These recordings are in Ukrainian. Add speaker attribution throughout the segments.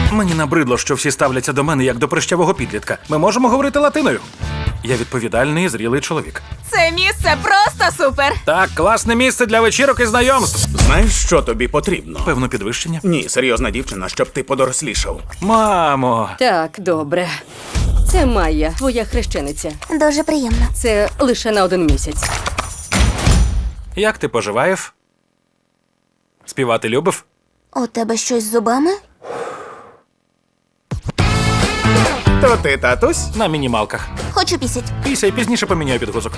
Speaker 1: Мені набридло, що всі ставляться до мене як до прищавого підлітка. Ми можемо говорити латиною. Я відповідальний і зрілий чоловік.
Speaker 2: Це місце просто супер!
Speaker 1: Так, класне місце для вечірок і знайомств.
Speaker 3: Знаєш, що тобі потрібно?
Speaker 1: Певно, підвищення.
Speaker 3: Ні, серйозна дівчина, щоб ти подорослішав.
Speaker 1: Мамо!
Speaker 4: Так, добре. Це Майя, твоя хрещениця.
Speaker 5: Дуже приємно.
Speaker 4: Це лише на 1 місяць.
Speaker 1: Як ти поживаєш? Співати любив?
Speaker 5: У тебе щось з зубами?
Speaker 3: То ти, татусь?
Speaker 1: На мінімалках.
Speaker 5: Хочу пісять.
Speaker 1: Після пізніше поміняю підгузок.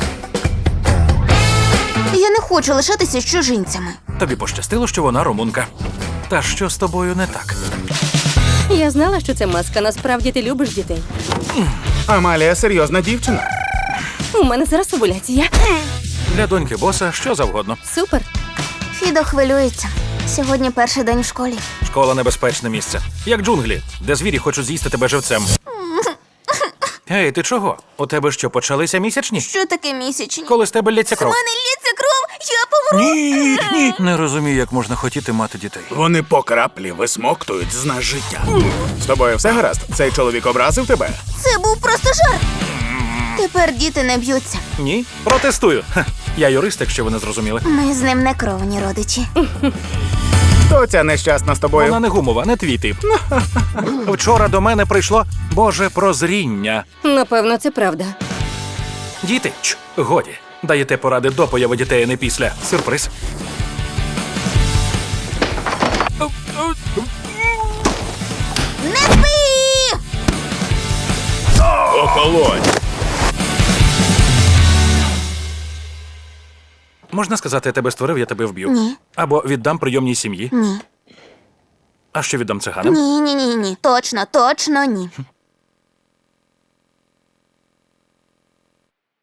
Speaker 5: Я не хочу лишатися з чужинцями.
Speaker 1: Тобі пощастило, що вона румунка. Та що з тобою не так?
Speaker 4: Я знала, що це маска. Насправді ти любиш дітей.
Speaker 3: Амалія серйозна дівчина.
Speaker 4: У мене зараз овуляція.
Speaker 1: Для доньки боса що завгодно.
Speaker 4: Супер.
Speaker 5: Фідо хвилюється. Сьогодні перший день в школі.
Speaker 1: Школа — небезпечне місце. Як джунглі, де звірі хочуть з'їсти тебе живцем. Ей, ти чого? У тебе що, почалися місячні?
Speaker 5: Що таке місячні?
Speaker 1: Коли з тебе лється
Speaker 5: У
Speaker 1: кров?
Speaker 5: мене лється кров, я помру.
Speaker 1: Ні. Не розумію, як можна хотіти мати дітей.
Speaker 3: Вони по краплі висмоктують з нас життя. З тобою все гаразд? Цей чоловік образив тебе?
Speaker 5: Це був просто жарт. Тепер діти не б'ються.
Speaker 1: Ні? Протестую. Ха, я юрист, якщо ви не зрозуміли.
Speaker 5: Ми з ним не кровні родичі.
Speaker 3: Хто ця нещасна з тобою?
Speaker 1: Вона не гумова, не твій тип. Вчора до мене прийшло Боже прозріння.
Speaker 4: Напевно, це правда.
Speaker 1: Діти, годі. Даєте поради до появи дітей, а не після. Сюрприз.
Speaker 5: Не спи!
Speaker 3: Охолонь!
Speaker 1: Можна сказати, я тебе створив, я тебе вб'ю?
Speaker 5: Ні.
Speaker 1: Або віддам прийомній сім'ї?
Speaker 5: Ні.
Speaker 1: А що віддам циганам?
Speaker 5: Ні. Точно ні.